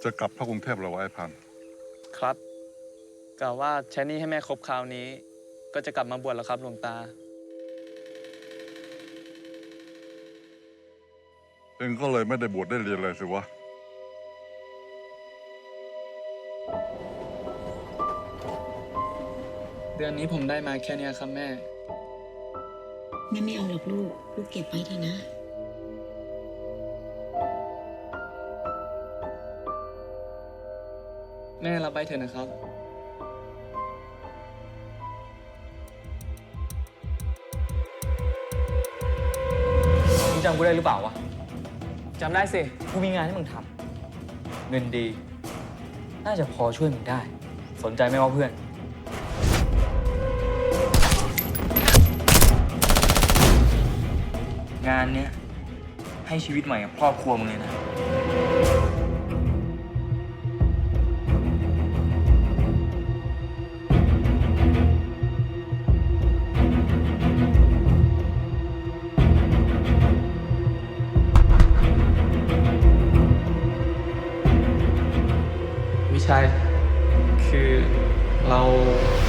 จะกลับเข้ากรุงเทพเหรอวะไอ้พันธุ์ครับกะว่าใช้หนี้ให้แม่ครบคราวนี้ ก็จะกลับมาบวชแล้วครับหลวงตาเองก็เลยไม่ได้บวชได้เรียนเลยสิวะเดือนนี้ผมได้มาแค่นี้ครับแม่แม่ไม่เอาหรอกลูกเก็บไว้เถอะนะแม่รับไปเถอะนะครับมึงจำกูได้หรือเปล่าวะจำได้สิ กูมีงานให้มึงทำเงินดี น่าจะพอช่วยมึงได้ สนใจไหมวะเพื่อน งานเนี้ยให้ชีวิตใหม่กับครอบครัวมึงเลยนะวิชัย คือเรา